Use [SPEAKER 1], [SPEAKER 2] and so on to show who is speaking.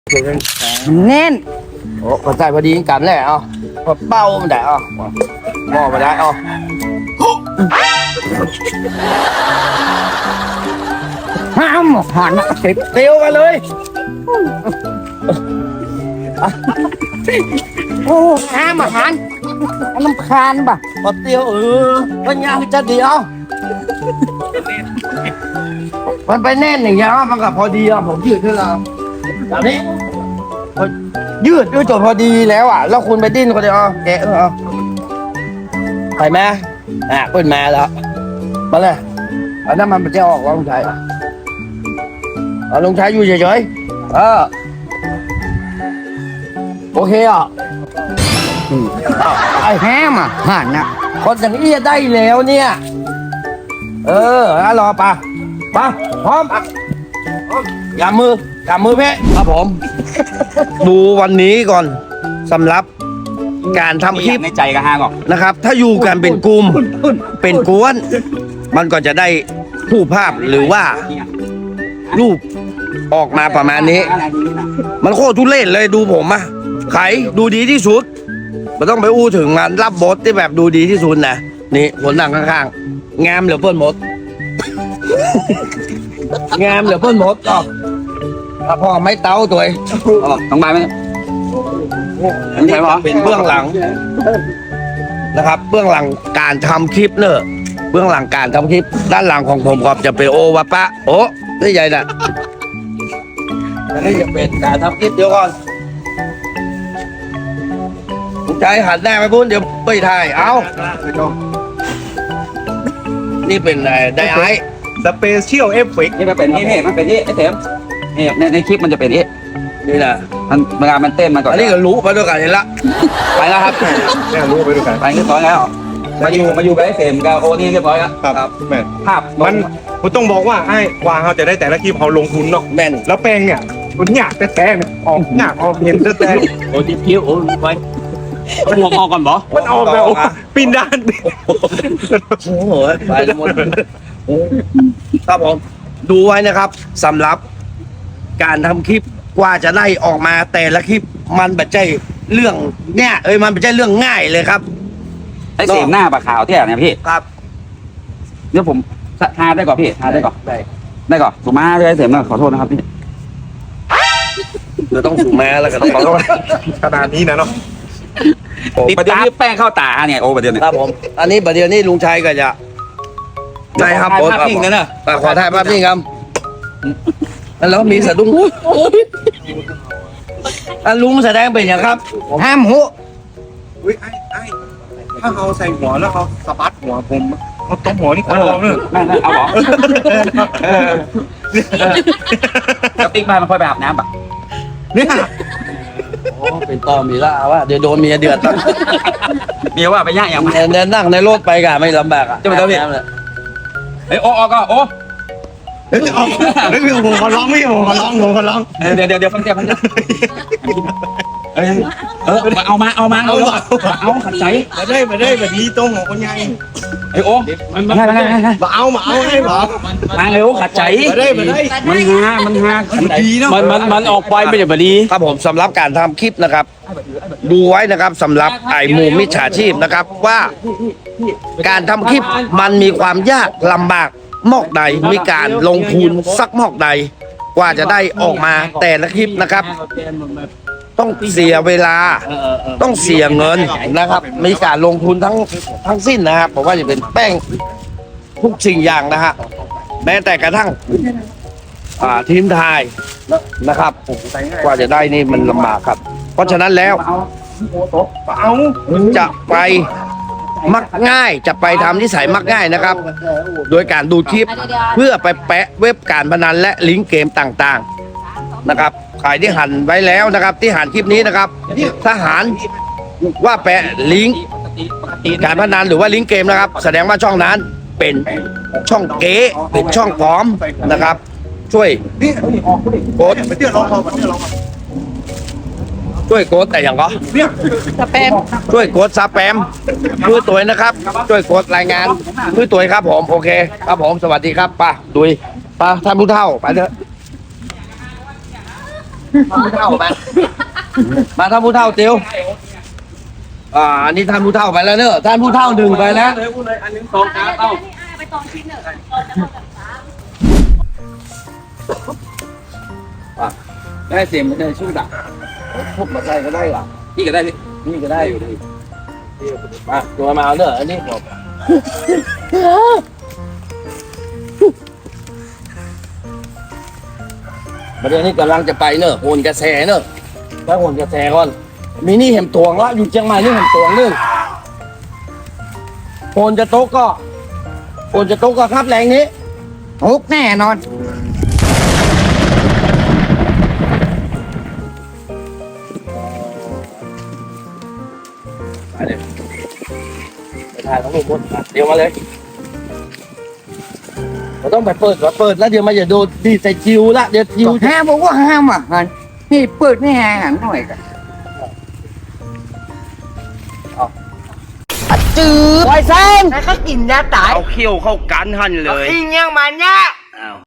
[SPEAKER 1] เน้น
[SPEAKER 2] โอ้ก็ใส่พอดีกันแหละอ๋อพอเป้ามันได้อ๋อหม้อมาได้อ๋อ
[SPEAKER 1] ห้ามหัน
[SPEAKER 2] ติดเตียวกันเลย
[SPEAKER 1] โอ้ห้ามหันน้ำคานป่ะ
[SPEAKER 2] พอเตียวมันยังจะเดียวมันไปแน่นอย่างเงี้ยมันก็พอดีอ่ะผมยืดขึ้นแล้วแบบนี้ยืดด้วยจนพอดีแล้วอ่ะแล้วคุณไปดิ้นก็เดียวแกะไปไหมเปิดมาแล้วมาเลยอันนั้นมันจะออกว่าลุงชัยลุงชัยอยู่เฉยๆโอเคอ่ะ
[SPEAKER 1] ไอ้ห้ามหันน่ะ
[SPEAKER 2] คนอย่างนี้จะได้แล้วเนี่ยรอปะพร้อมกำมือเพ่ครับผม ดูวันนี้ก่อนสำหรับการทำคลิป
[SPEAKER 3] ในใจกับฮางออก
[SPEAKER 2] นะครับ ถ้าอยู่กันเป็นกลุ่มเป็นกวน มันก็จะได้ผู้ภาพหรือว่ารูปออกมาประมาณนี้ มันโคตรทุเรศเลยดูผมอะไขดูดีที่สุดไม่ต้องไปอู้ถึงงานรับบทที่แบบดูดีที่สุดนะนี่ผลหนังข้างๆงามเหลือเพิ่นหมด งามเหลือเพิ่นหมดอ๋อพ่อไม่เต้าตัวเอง
[SPEAKER 3] ต้องมาไหม
[SPEAKER 2] อันนี้เป็นเบื้องหลังนะครับ เบื้องหลังการทำคลิปเนอะเบื้องหลังการทำคลิป ด้านหลังของผมก็จะเป็นโอวะปะโอ้ได้ใหญ่น่ะอันนี้จะเป็นการทำคลิปเดี๋ยวก่อนผมใจหันหน้าไปพูดเดี๋ยวไปถ่ายเอานี่เป็นไดไอ
[SPEAKER 4] สเปเชียลเอฟเฟกต์
[SPEAKER 3] นี่มันเป็นนี่มันเป็นนี่ไอ้เต็มนี่ในคลิปมันจะเป็นนี่
[SPEAKER 2] นี่นะ
[SPEAKER 3] มันเวลามันเต้นมันก่อน
[SPEAKER 2] อันนี้ก็รู้มาด้วยกันเห็นละ
[SPEAKER 3] ไปแล้วครับ
[SPEAKER 4] แม่รู้ไปดูกัน
[SPEAKER 3] ไปเรียบร้อยแล้วมาอยู่กับไอ้เฟรมกับโอนี่เรียบร้อยแล้ว
[SPEAKER 4] ครับแม่
[SPEAKER 3] ภาพ
[SPEAKER 4] มันผมต้องบอกว่าไอ้กว่าเขาจะได้แต่ละคลิปเขาลงทุนเนาะ
[SPEAKER 2] แม่น
[SPEAKER 4] แล้วแปลงเนี่ยมันหยาบแต่เนี่ยออกหยาบออกเห็นแต่
[SPEAKER 3] โอ้ที่คิ้วโอ้ไว้หัวออกก่อนบ่
[SPEAKER 4] มันออกแบบปีนด้าน
[SPEAKER 2] โอ้โหไปหมดครับผมดูไว้นะครับสำหรับการทำคลิปกว่าจะได้ออกมาแต่ละคลิปมันไม่ใช่เรื่องเนี่ยมันไม่ใช่เรื่องง่ายเลยครับ
[SPEAKER 3] ไอ้เสียงหน้าปากขาวเที่ยเนี่ยพี่
[SPEAKER 2] ครับ
[SPEAKER 3] เดี๋ยวผมทาได้ก่อนพี่ทาได้ก่อน ได้ก่อนถูกมาเลยเสียงนะขอโทษนะครับพี่
[SPEAKER 2] เราต้องสูงแม้แล้วกันขอโทษ
[SPEAKER 4] ขนาดนี้นะเนาะ
[SPEAKER 3] ติดตาแป้งเข้าตาเนี่ยโอ้ประเดี๋ยวเนี่ย
[SPEAKER 2] ครับผมอันนี้ประเดี๋ยวนี้ลุงชัยก็จะได้ครับ
[SPEAKER 3] ภาพนิ่งนะเนอะ
[SPEAKER 2] ขอถ่ายภาพนิ่งครับแล้วมีสะดุ้งลุงแสดงเป็นอย่างครับ
[SPEAKER 1] ห้ามหัว
[SPEAKER 4] อุ้ยไอ้ถ้าเขาใส่หัวแล้วเขาสะบัดหัวผมเขาตบหัวนี่คนลองเลย
[SPEAKER 3] แม่เอาหรอแล้วติ๊กมามันค่อยไปอาบน้ำปะ
[SPEAKER 4] เนี่ย
[SPEAKER 2] เป็นต่อมีละว่าเดี๋ยวโดนเมียเดือด
[SPEAKER 3] เมียว่าไปย่างอย่างมา
[SPEAKER 2] เดินนั่งในรถไปกะไม่ลำบากอ่ะ
[SPEAKER 3] จะไปทำไง เฮ้ยโอ้ก็โอ้
[SPEAKER 4] เฮ้ยออกเฮ้ยผมขอร้องพี่ผมขอร้อง
[SPEAKER 3] เดี๋ยวฟังเสียงเอามาเอาขัดใจ
[SPEAKER 4] มาได้แบบนี้ตรงของคนใหญ่
[SPEAKER 3] ไอ้โอ้มา
[SPEAKER 4] มาเอาให้หรอ
[SPEAKER 3] เร็วขัดใจ
[SPEAKER 4] มาได้
[SPEAKER 3] มันฮา
[SPEAKER 4] ดีเนาะ
[SPEAKER 3] มันออกไปไม่ได้บดี
[SPEAKER 2] ครับผมสำหรับการทำคลิปนะครับ ดูไว้นะครับสำหรับไอ้หมู่มิจฉาชีพนะครับว่าการทำคลิปมันมีความยากลำบากมอกใดมีการลงทุนสักมอกใดกว่าจะได้ออกมาแต่ละคลิปนะครับ ต้องเสียเวลาต้องเสียเงินนะครับ มีการลงทุนทั้งสิ้นนะครับผมว่าจะเป็นแป้งทุกสิ่งอย่างนะฮะแม้แต่กระทั่งทีมไทยนะครับกว่าจะได้นี่มันลำบากครับ เพราะฉะนั้นแล้วจะไปมักง่ายจะไปทำนิสัยมักง่ายนะครับ โดยการดูคลิปเพื่อไปแปะเว็บการพนันและลิงก์เกมต่างๆนะครับใครที่หันไว้แล้วนะครับ ที่หันคลิปนี้นะครับถ้าหันว่าแปะลิงก์การพนันหรือว่าลิงก์เกมนะครับ แสดงว่าช่องนั้นเป็นช่องเก๋เป็นช่องปลอมนะครับ ช่วยกด
[SPEAKER 4] เดี๋ยวลอง
[SPEAKER 2] ช่วยกดแต่อย่างก็
[SPEAKER 1] สเปม
[SPEAKER 2] ช่วยกดซับแปมช่วยตัวนะครับ ช่วยกดรายงานช่วยตัวครับผมโอเคครับผมสวัสดีครับป้าดุยป้าท่านผู้เฒ่าไปเถอะท่านผู้เฒ่ามามาท่านผู้เฒ่าเตียวอันนี้ท่านผู้เฒ่าไปแล้วเนอะท่านผู้เฒ่าหนึ่งไปแล้ว
[SPEAKER 4] เลยพูดเลยอันนึงสองขาเต้า
[SPEAKER 5] ไปตองชิ้นเนอะ
[SPEAKER 3] ได้เสียงมันจะชุ่มดัก
[SPEAKER 2] พุกมาใส่ก็ได้หรอ
[SPEAKER 3] พี่ก็ได้พี่
[SPEAKER 2] นี่ก็ได้อยู่ดิมาตัวมาเอาเนอะอันนี้ผมประเดี๋ยวนี้กำลังจะไปเนอะโหนกระแสเนอะไปโหนกระแสก่อนมีนี่เห็มตวงละอยู่เชียงใหม่นี่เห็มตวงนึงโหนจะโต๊ะก็โหนจะโต๊ะก็ครับแรงนี้
[SPEAKER 1] ทุกแน่นอน
[SPEAKER 2] ไปเลยไปถ่ายทั้งหมดเดี๋ยวมาเลยเราต้องไปเปิดก่อนเปิดแล้วเดี๋ยวมาอย่าโดนดีใส่คิวละเดี๋ยวคิว
[SPEAKER 1] ห้ามบอกว่าห้ามอ่ะหันนี่เปิดนี่หันหน่อยกันจืดไวเซนแล้วก็กินยาตาย
[SPEAKER 2] เอาเขี้ยวเข้ากันหันเลย
[SPEAKER 1] อิงยังมันเนี่ย